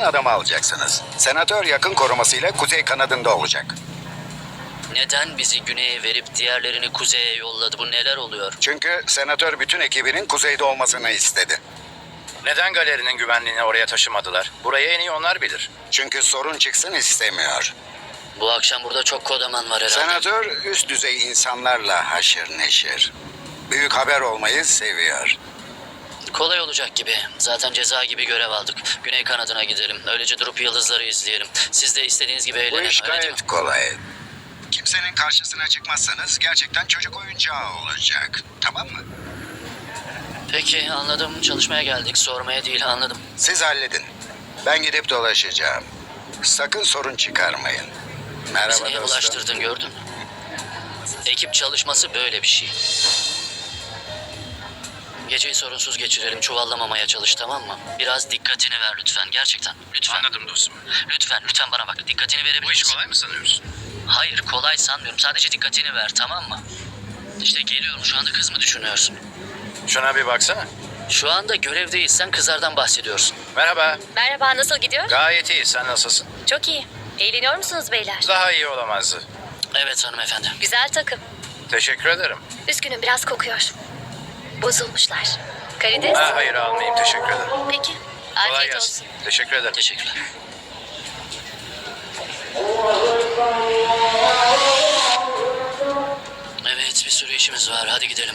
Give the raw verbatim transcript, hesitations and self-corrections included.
adamı alacaksınız. Senatör yakın korumasıyla kuzey kanadında olacak. Neden bizi güneye verip diğerlerini kuzeye yolladı? Bu neler oluyor? Çünkü senatör bütün ekibinin kuzeyde olmasını istedi. Neden galerinin güvenliğini oraya taşımadılar? Burayı en iyi onlar bilir. Çünkü sorun çıksın istemiyor. Bu akşam burada çok kodaman var herhalde. Senatör üst düzey insanlarla haşır neşir. Büyük haber olmayı seviyor. Kolay olacak gibi. Zaten ceza gibi görev aldık. Güney kanadına gidelim. Öylece durup yıldızları izleyelim. Siz de istediğiniz gibi Bu eğlenin. iş Öyle değil mi? gayet kolay. Kimsenin karşısına çıkmazsanız gerçekten çocuk oyuncağı olacak. Tamam mı? Peki anladım. Çalışmaya geldik. Sormaya değil, anladım. Siz halledin. Ben gidip dolaşacağım. Sakın sorun çıkarmayın. Bizi Merhaba neye dostum. bulaştırdın, gördün mü? Ekip çalışması böyle bir şey. Geceyi sorunsuz geçirelim. Çuvallamamaya çalış, tamam mı? Biraz dikkatini ver lütfen. Gerçekten. Lütfen. Anladım dostum. Lütfen, lütfen bana bak. Dikkatini verebilir Bu iş misin? kolay mı sanıyorsun? Hayır, kolay sanmıyorum. Sadece dikkatini ver, tamam mı? İşte geliyorum. Şu anda kız mı düşünüyorsun? Şuna bir baksana. Şu anda görevdeysen kızlardan bahsediyorsun. Merhaba. Merhaba, nasıl gidiyor? Gayet iyi. Sen nasılsın? Çok iyi. Eğleniyor musunuz beyler? Daha iyi olamazdı. Evet hanımefendi. Güzel takım. Teşekkür ederim. Üzgünüm, biraz kokuyor. Bozulmuşlar. Karides? Ha, hayır almayayım. Teşekkür ederim. Peki. Kolay Afiyet gelsin. olsun. Teşekkür ederim. Teşekkürler. Evet, bir sürü işimiz var. Hadi gidelim.